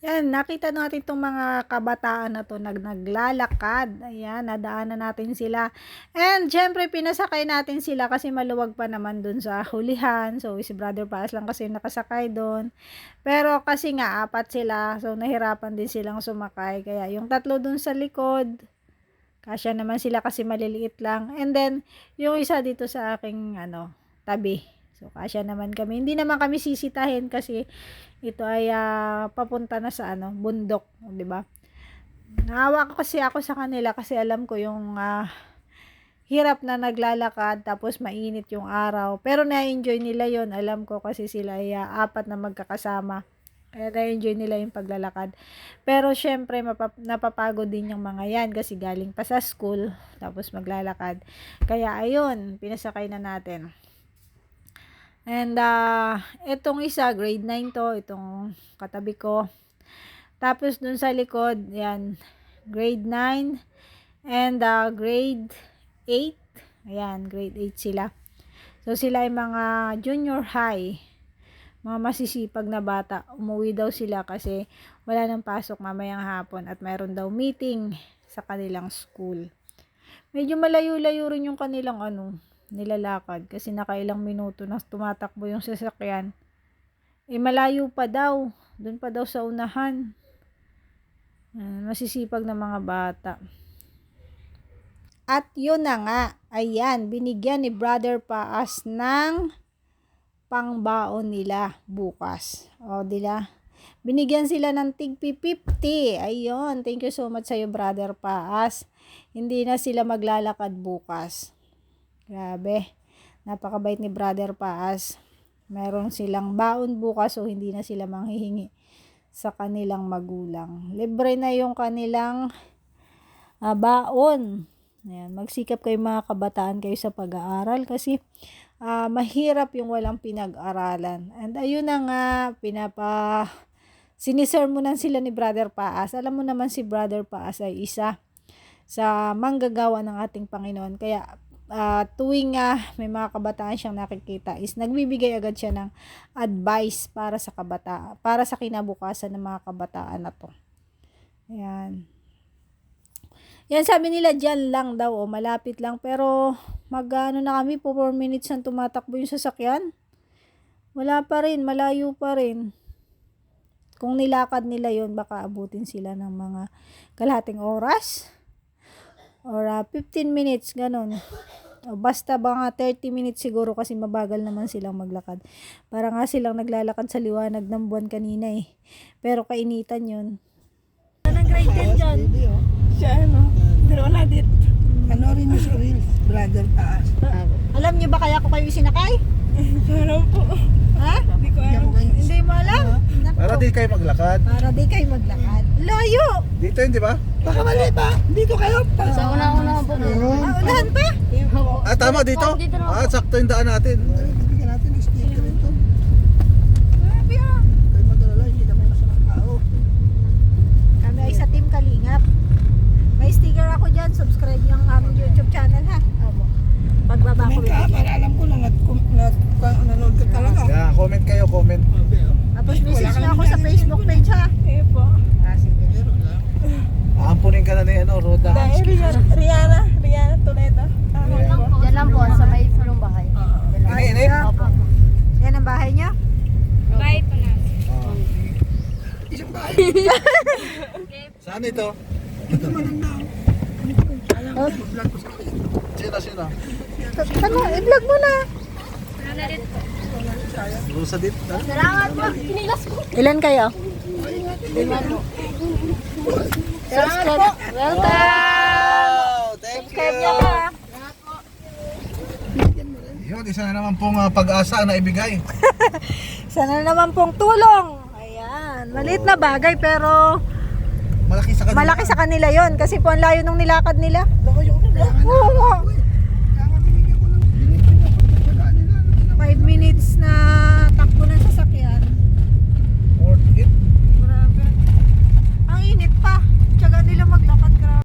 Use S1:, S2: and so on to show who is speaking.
S1: Yan, nakita natin itong mga kabataan na to naglalakad. Ayan, nadaanan natin sila. And syempre, pinasakay natin sila kasi maluwag pa naman dun sa hulihan. So, si Brother Paas lang kasi nakasakay dun. Pero kasi nga, apat sila. So, nahirapan din silang sumakay. Kaya yung tatlo dun sa likod, kasya naman sila kasi maliliit lang. And then, yung isa dito sa aking tabi. So, kasya naman kami. Hindi naman kami sisitahin kasi ito ay papunta na sa bundok, 'di ba? Naawa kasi ako sa kanila kasi alam ko yung hirap na naglalakad tapos mainit yung araw. Pero na-enjoy nila 'yon. Alam ko kasi sila ay apat na magkakasama. Kaya na-enjoy nila yung paglalakad. Pero syempre napapagod din yung mga yan kasi galing pa sa school tapos maglalakad. Kaya ayun, pinasakay na natin. And itong isa, grade 9 to, itong katabi ko. Tapos dun sa likod, yan, grade 9 and grade 8. Ayan, grade 8 sila. So sila ay mga junior high, mga masisipag na bata. Umuwi daw sila kasi wala nang pasok mamayang hapon at mayroon daw meeting sa kanilang school. Medyo malayo-layo rin yung kanilang nilalakad kasi nakailang minuto na tumatakbo yung sasakyan. Malayo pa daw, doon pa daw sa unahan. Masisipag na mga bata. At yun na nga, ayan, binigyan ni Brother Paas ng pangbaon nila bukas. O, dila? Binigyan sila ng tigpi 50. Ayun, thank you so much sa'yo, Brother Paas. Hindi na sila maglalakad bukas. Grabe, napakabait ni Brother Paas. Meron silang baon bukas so hindi na sila manghihingi sa kanilang magulang. Libre na yung kanilang baon. Ayan, magsikap kayo mga kabataan kayo sa pag-aaral kasi mahirap yung walang pinag-aralan. And ayun na nga, sinisermonan sila ni Brother Paas. Alam mo naman si Brother Paas ay isa sa manggagawa ng ating Panginoon. Kaya tuwing may mga kabataan siyang nakikita is nagbibigay agad siya ng advice para sa kabataan, para sa kinabukasan ng mga kabataan na to. Ayan. Yan, sabi nila dyan lang daw malapit lang, pero na kami po 4 minutes ang tumatakbo yung sasakyan. Wala pa rin, malayo pa rin. Kung nilakad nila yon baka abutin sila ng mga kalahating oras or 15 minutes, ganun. O basta mga 30 minutes siguro kasi mabagal naman silang maglakad. Para nga silang naglalakad sa liwanag ng buwan kanina eh. Pero kainitan yun.
S2: Anong grade 10 dyan?
S3: Siya pero wala dit. Rin yung sa reels, Brother Paas.
S1: Alam niyo ba kaya ko kayo isinakay?
S3: Parang po.
S1: Ha?
S3: Hindi ko alam.
S1: Hindi mo alam? Naku,
S4: Para di kayo maglakad.
S1: para di kayo maglakad. Layo!
S4: Dito yun, di ba?
S3: Baka mali ba? Dito kayo.
S2: Sa una-una po.
S1: Unahan pa?
S4: Tama dito.
S2: Dito na.
S4: Sakto yung daan natin.
S3: Bigyan natin ng sticker ito.
S1: Grabe ah.
S3: Kayo mag-alala, hindi kami masamang tao.
S1: Kami ay sa Team Kalingap. May sticker ako dyan. Subscribe yung aming YouTube channel ha. Pagbaba ko.
S3: Comment ka, para alam ko na nanonood ka talaga.
S4: Yeah, comment kayo, comment.
S1: Tapos message na ako sa Facebook page ha.
S3: Eh po.
S1: Sige.
S4: Aampunin ka na ni Roda.
S3: Rihanna Toledo.
S2: Diyan lang po, sa may fulong bahay.
S4: Ini.
S1: Yan ang bahay niyo?
S2: Bahay po na.
S3: Isang bahay.
S4: Saan ito?
S3: Ito manandang. Alam ko, vlog ko sa akin.
S4: Sino?
S1: Ano? I-vlog mo na.
S4: Rosa dit.
S2: Salamat po. Pinilas ko.
S1: Ilan kayo?
S2: Salamat po.
S4: Wow! Thank you! Yun, isa na naman pong pag-asa na ibigay.
S1: Sana naman pong tulong. Ayan. Maliit na bagay pero
S4: Malaki sa kanila.
S1: malaki sa kanila yon kasi po ang layo ng nilakad nila.
S3: Baka yung kailangan.
S1: Oo,